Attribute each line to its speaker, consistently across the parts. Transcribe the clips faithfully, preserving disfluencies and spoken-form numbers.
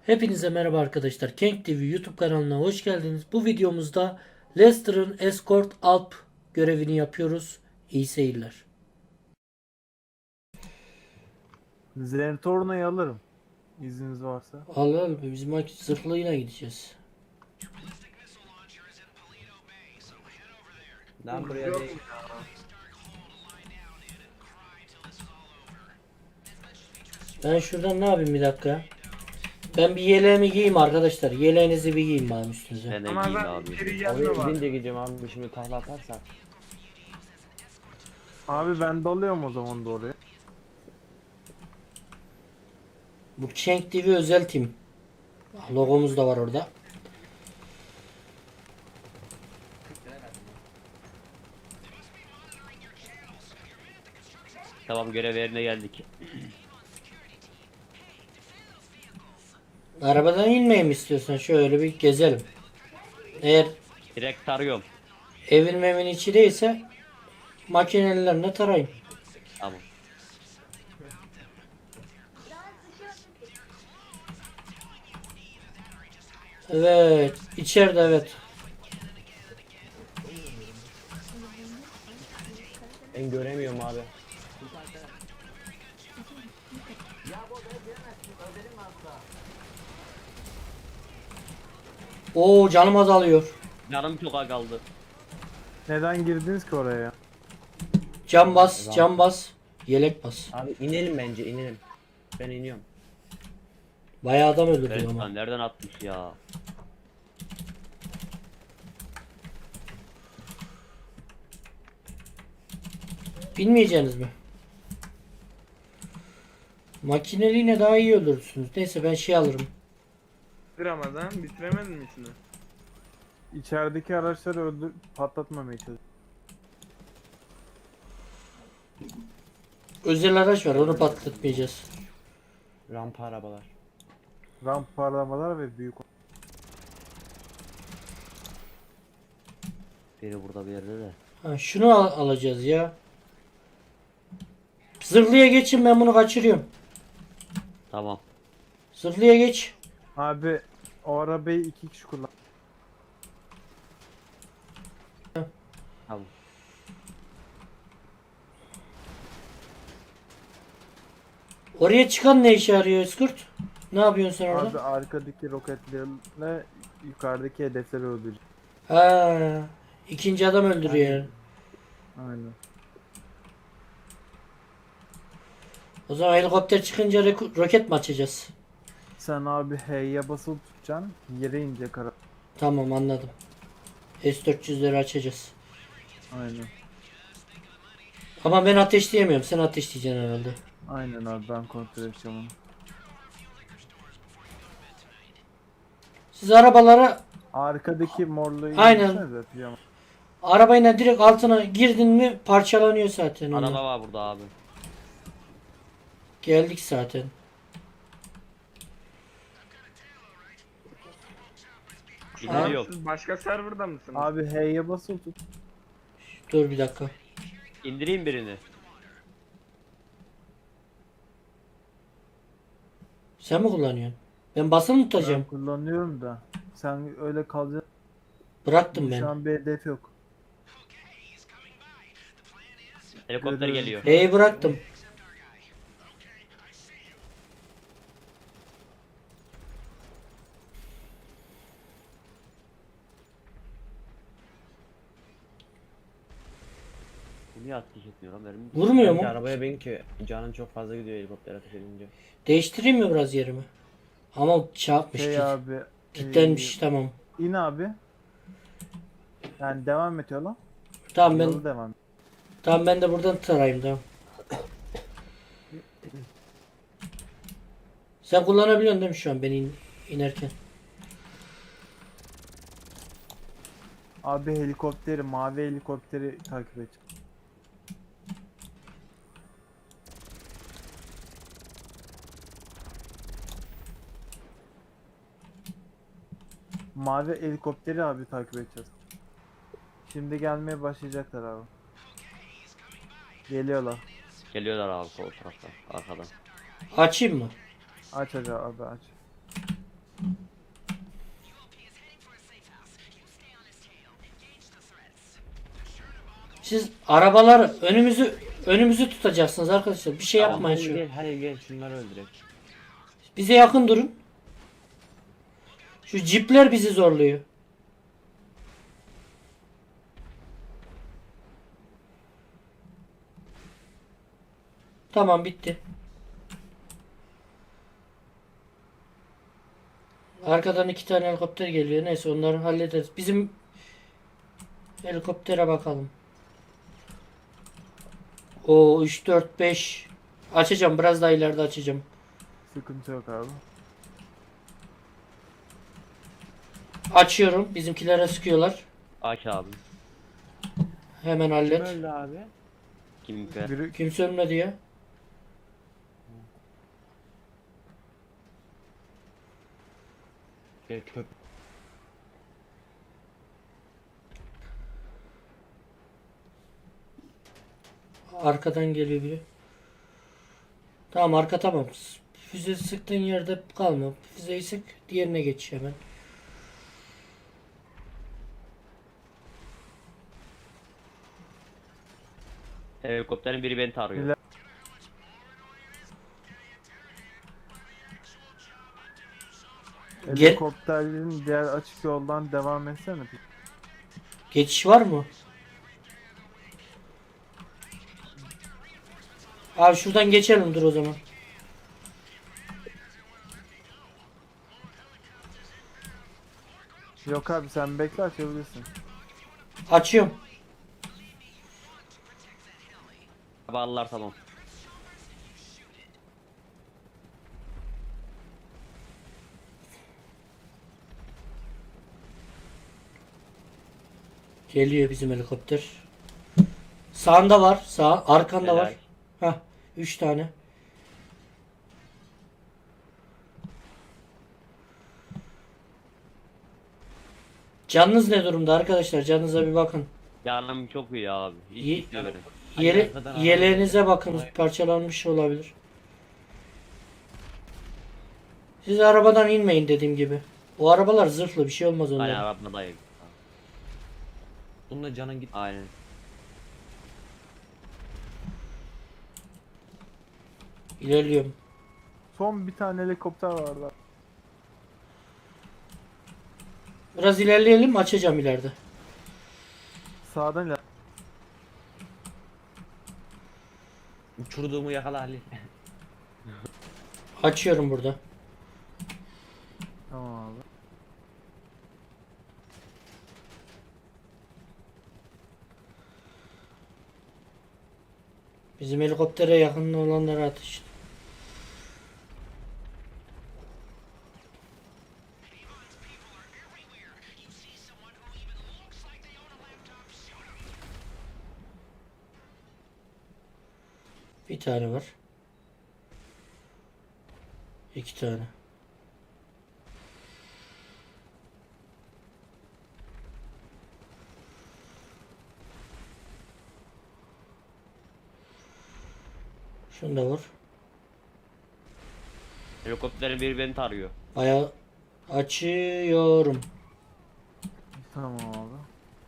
Speaker 1: Hepinize merhaba arkadaşlar. Kenk T V YouTube kanalına hoş geldiniz. Bu videomuzda Leicester'ın Escort Alp görevini yapıyoruz. İyi seyirler.
Speaker 2: Zentorno'yu alırım. İzniniz varsa.
Speaker 1: Al al biz maç zırhlıyla gideceğiz.
Speaker 3: Lan buraya değil.
Speaker 1: Ben şuradan ne yapayım bir dakika. Ben bir yeleğimi giyeyim arkadaşlar. Yeleğinizi bir giyin bana üstünüze.
Speaker 3: Ben de
Speaker 4: Ama
Speaker 3: giyeyim
Speaker 4: ben
Speaker 3: abi.
Speaker 4: içeri
Speaker 3: Oraya
Speaker 4: gelme var.
Speaker 3: gidince gideceğim abi şimdi takla atarsak.
Speaker 2: Abi ben dalıyorum o zaman da oraya.
Speaker 1: Bu Kenk T V özel tim. Logomuz da var orada.
Speaker 3: Tamam görev yerine geldik.
Speaker 1: Arabadan inmeyeyim istiyorsan şöyle bir gezelim. Eğer
Speaker 3: Direkt tarıyorum.
Speaker 1: evin mevin içi değilse makinelerine tarayın.
Speaker 3: Tamam.
Speaker 1: Evet. içeride evet.
Speaker 3: Ben göremiyorum abi.
Speaker 1: Oo canım azalıyor.
Speaker 3: Canım çok az kaldı.
Speaker 2: Neden girdiniz ki oraya?
Speaker 1: Cam bas, cam bas. Yelek bas.
Speaker 5: Abi inelim bence inelim. Ben iniyorum.
Speaker 1: Bayağı adam öldürdük
Speaker 3: Evet
Speaker 1: ama.
Speaker 3: lan nereden atmış ya?
Speaker 1: Bilmeyeceğiniz mi? Makineliğine daha iyi öldürürsünüz. Neyse ben şey alırım.
Speaker 4: Ramazan bitiremedin mi içini?
Speaker 2: İçerideki araçları öldür patlatmamaya çalış.
Speaker 1: Özel araç var onu patlatmayacağız.
Speaker 5: Rampa arabalar.
Speaker 2: Ramp parlamalar ve büyük.
Speaker 3: Biri burada bir yerde de.
Speaker 1: Ha, şunu al- alacağız ya. Zırhlıya geçin ben bunu kaçırıyorum.
Speaker 3: Tamam.
Speaker 1: Zırhlıya geç.
Speaker 2: Abi o arabayı iki kişi kullan.
Speaker 3: Tamam.
Speaker 1: Oraya çıkan ne işe yarıyor Eskurt? Ne yapıyorsun sen orada?
Speaker 2: Abi arkadaki roketlerle yukarıdaki hedefleri öldürecek.
Speaker 1: Ha, ikinci adam öldürüyor yani.
Speaker 2: Aynen.
Speaker 1: O zaman helikopter çıkınca reko- roket mi açacağız?
Speaker 2: Sen abi H'ye basılı tutacaksın. Yere inecek ara.
Speaker 1: Tamam anladım. S dört yüzleri açacağız.
Speaker 2: Aynen.
Speaker 1: Ama ben ateşleyemiyorum. Sen ateşleyeceksin herhalde.
Speaker 2: Aynen abi ben kontrol edeceğim onu.
Speaker 1: Siz arabalara
Speaker 2: Arkadaki morluğu
Speaker 1: Aynen.
Speaker 2: indirsenize, pijama.
Speaker 1: arabayla direkt altına girdin mi parçalanıyor zaten onlar.
Speaker 3: Araba var burada abi.
Speaker 1: Geldik zaten.
Speaker 3: İndiriyorum.
Speaker 4: Siz başka serverda mısınız?
Speaker 2: Abi H'ye basılı tut.
Speaker 1: Dur bir dakika.
Speaker 3: İndireyim birini.
Speaker 1: Sen mi kullanıyorsun? Ben basılı mı
Speaker 2: Ben
Speaker 1: tutacağım?
Speaker 2: kullanıyorum da. Sen öyle kalacaksın.
Speaker 1: Bıraktım
Speaker 2: Şu
Speaker 1: ben.
Speaker 2: an bir hedef yok.
Speaker 3: Helikopter
Speaker 2: Görüyorum.
Speaker 3: geliyor.
Speaker 1: Hey bıraktım.
Speaker 3: Bu niye ateş etmiyor lan benim?
Speaker 1: Vurmuyor
Speaker 5: Bence
Speaker 1: mu?
Speaker 5: arabaya bin ki canın çok fazla gidiyor helikopter ateş edince.
Speaker 1: Değiştireyim mi biraz yerimi? Ama çarpmış.
Speaker 2: Şey
Speaker 1: Kit.
Speaker 2: abi.
Speaker 1: Kitlenmiş tamam.
Speaker 2: e, in abi. Yani devam et yola.
Speaker 1: Tamam ben
Speaker 2: Yolu devam et.
Speaker 1: tamam ben de buradan tarayayım tamam. Sen kullanabiliyorsun değil mi şu an beni in- inerken?
Speaker 2: Abi helikopteri, mavi helikopteri takip et. Mavi helikopteri abi takip edeceğiz. Şimdi gelmeye başlayacaklar abi. Geliyorlar.
Speaker 3: Geliyorlar abi sol taraftan. Arkadan.
Speaker 1: Açayım mı?
Speaker 2: Aç aç abi aç.
Speaker 1: Siz arabalar önümüzü önümüzü tutacaksınız arkadaşlar. Bir şey
Speaker 3: Tamam,
Speaker 1: yapmayın
Speaker 5: Halil
Speaker 1: şu.
Speaker 5: gel, Halil gel şunları öldürek.
Speaker 1: Bize yakın durun. Şu cipler bizi zorluyor. Tamam bitti. Arkadan iki tane helikopter geliyor. Neyse onları hallederiz. Bizim helikoptere bakalım. O üç dört beş açacağım. Biraz daha ileride açacağım.
Speaker 2: Sıkıntı yok abi.
Speaker 1: Açıyorum. Bizimkilere sıkıyorlar.
Speaker 3: Aç abi.
Speaker 1: Hemen
Speaker 5: Kim
Speaker 1: hallet.
Speaker 5: öldü abi?
Speaker 3: Kim be?
Speaker 2: Biri
Speaker 1: Kimse ölmedi ya.
Speaker 5: Gel köp.
Speaker 1: Arkadan geliyor biri. Tamam arka tamam. Füze sıktığın yerde kalma. Füzeyi sık. Diğerine geç hemen.
Speaker 3: Helikopterin biri beni tarıyor.
Speaker 2: Bile-
Speaker 1: Gel.
Speaker 2: helikopterlerin diğer açık yoldan devam etsene.
Speaker 1: Geçiş var mı? Abi şuradan geçelim dur o zaman.
Speaker 2: Yok abi sen bekle açabilirsin.
Speaker 1: Açıyorum.
Speaker 3: Arabalar tamam.
Speaker 1: Geliyor bizim helikopter. Sağında var. Sağ. Arkanda
Speaker 3: Helal.
Speaker 1: var. Hah. Üç tane. Canınız ne durumda arkadaşlar? Canınıza bir bakın.
Speaker 3: Canım çok iyi abi. Hiç
Speaker 1: İyi.
Speaker 3: gitmedim.
Speaker 1: Yele,
Speaker 5: arkadan araba
Speaker 1: yeleğinize
Speaker 5: geliyor.
Speaker 1: bakın.
Speaker 5: Vay.
Speaker 1: Parçalanmış olabilir. Siz arabadan inmeyin dediğim gibi. O arabalar zırhlı bir şey olmaz
Speaker 3: Aynen
Speaker 1: onlara.
Speaker 3: arabadayım.
Speaker 5: Bununla canın git.
Speaker 3: Aynen.
Speaker 1: İlerliyorum.
Speaker 2: Son bir tane helikopter vardı.
Speaker 1: Biraz ilerleyelim açacağım ileride.
Speaker 2: Sağdan iler.
Speaker 5: Uçurduğumu yakala Halil.
Speaker 1: Açıyorum burada.
Speaker 2: Tamam abi.
Speaker 1: Bizim helikoptere yakın olanlara atış. Bir tane var. İki tane. Şunu da vur.
Speaker 3: Helikopterin biri beni tarıyor.
Speaker 1: Bayağı açıyorum.
Speaker 2: Tamam abi.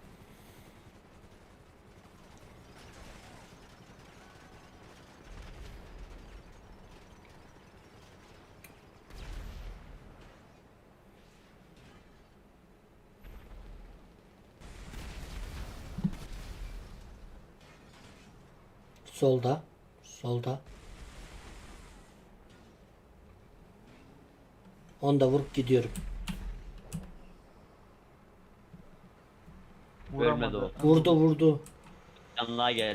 Speaker 1: Solda. Solda. Onu da vurup gidiyorum.
Speaker 3: Ölmedi
Speaker 2: Vuramadı.
Speaker 3: o.
Speaker 1: Vurdu vurdu.
Speaker 3: Yanına geldi.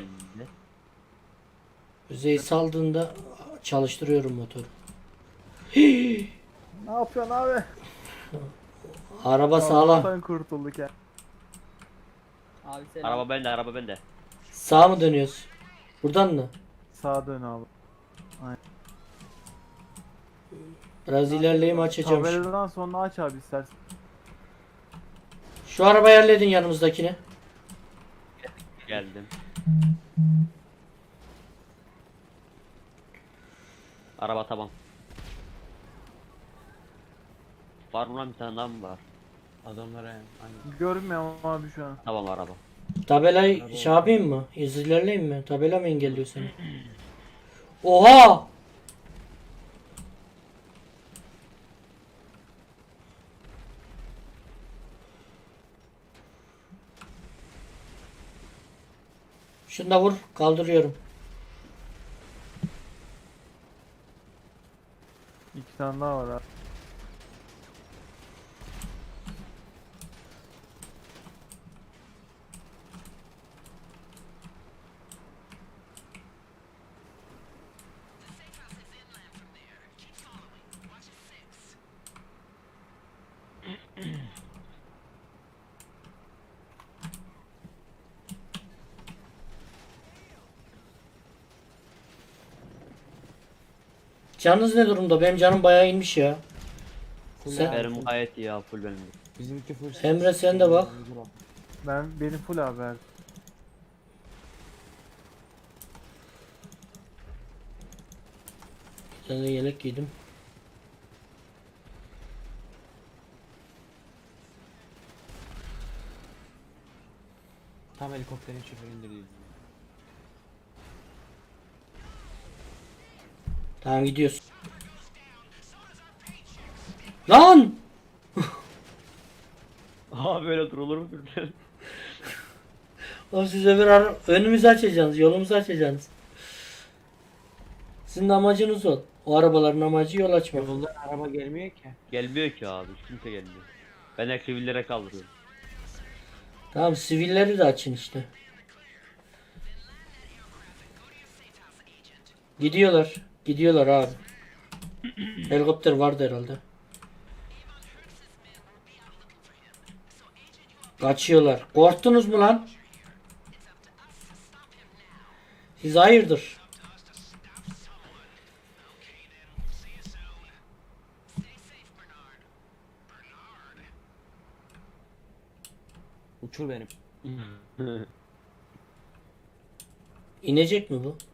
Speaker 1: Yüzeyi saldığında çalıştırıyorum motoru.
Speaker 2: Ne yapıyorsun abi?
Speaker 1: Araba sağlam.
Speaker 2: Allah'tan kurtulduk ya.
Speaker 6: Abi selam.
Speaker 3: Araba bende, araba bende.
Speaker 1: Sağa mı dönüyoruz? Buradan mı?
Speaker 2: Sağa dön abi.
Speaker 1: Biraz ilerleyeyim açacağım. Şu,
Speaker 2: Tabeladan sonra aç abi istersen.
Speaker 1: şu arabayı halledin yanımızdakini.
Speaker 3: Geldim. Araba tamam. Var mı lan bir tane daha mı var?
Speaker 5: Adamlara yani. Aynen.
Speaker 2: Görmüyorum abi şu an.
Speaker 3: Tamam araba.
Speaker 1: Tabelayı
Speaker 5: Araba
Speaker 1: şey yapayım mı? Hızlı ilerleyeyim mi? Tabela mı engelliyor seni? Oha! Şunu da vur. Kaldırıyorum.
Speaker 2: İki tane daha var abi.
Speaker 1: Canınız ne durumda? Benim canım bayağı inmiş ya.
Speaker 5: Full
Speaker 1: Sen-
Speaker 5: abi,
Speaker 3: Benim
Speaker 5: full.
Speaker 3: gayet iyi ya, full benim.
Speaker 5: Bizimki full.
Speaker 1: Emre, sen de bak.
Speaker 2: Ben benim full abi. her-
Speaker 1: Bir tane de yelek giydim.
Speaker 5: Tam helikopterin şoförü indirdi.
Speaker 1: Tamam, gidiyoruz. Lan!
Speaker 3: Aa, böyle durulur mu Türkler?
Speaker 1: Oğlum siz öbür ara- önümüzü açacaksınız, yolumuzu açacaksınız. Sizin de amacınız o. O arabaların amacı yol açmak.
Speaker 5: Yoldan araba gelmiyor ki.
Speaker 3: Gelmiyor ki abi, hiç kimse gelmiyor. Ben de sivillere kaldırıyorum.
Speaker 1: Tamam, sivilleri de açın işte. Gidiyorlar. Gidiyorlar abi. Helikopter vardı herhalde. Kaçıyorlar. Korktunuz mu lan? Siz hayırdır?
Speaker 5: Uçur benim.
Speaker 1: İnecek mi bu?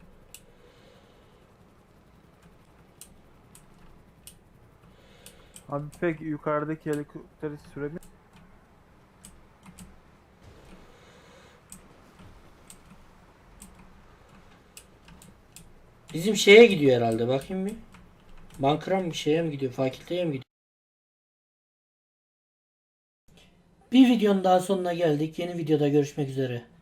Speaker 2: Abi pek yukarıdaki helikopteri süremiyor.
Speaker 1: Bizim şeye gidiyor herhalde. Bakayım bir. Bankıra mı, bir şeye mi gidiyor? Fakülteye mi gidiyor? Bir videonun daha sonuna geldik. Yeni videoda görüşmek üzere.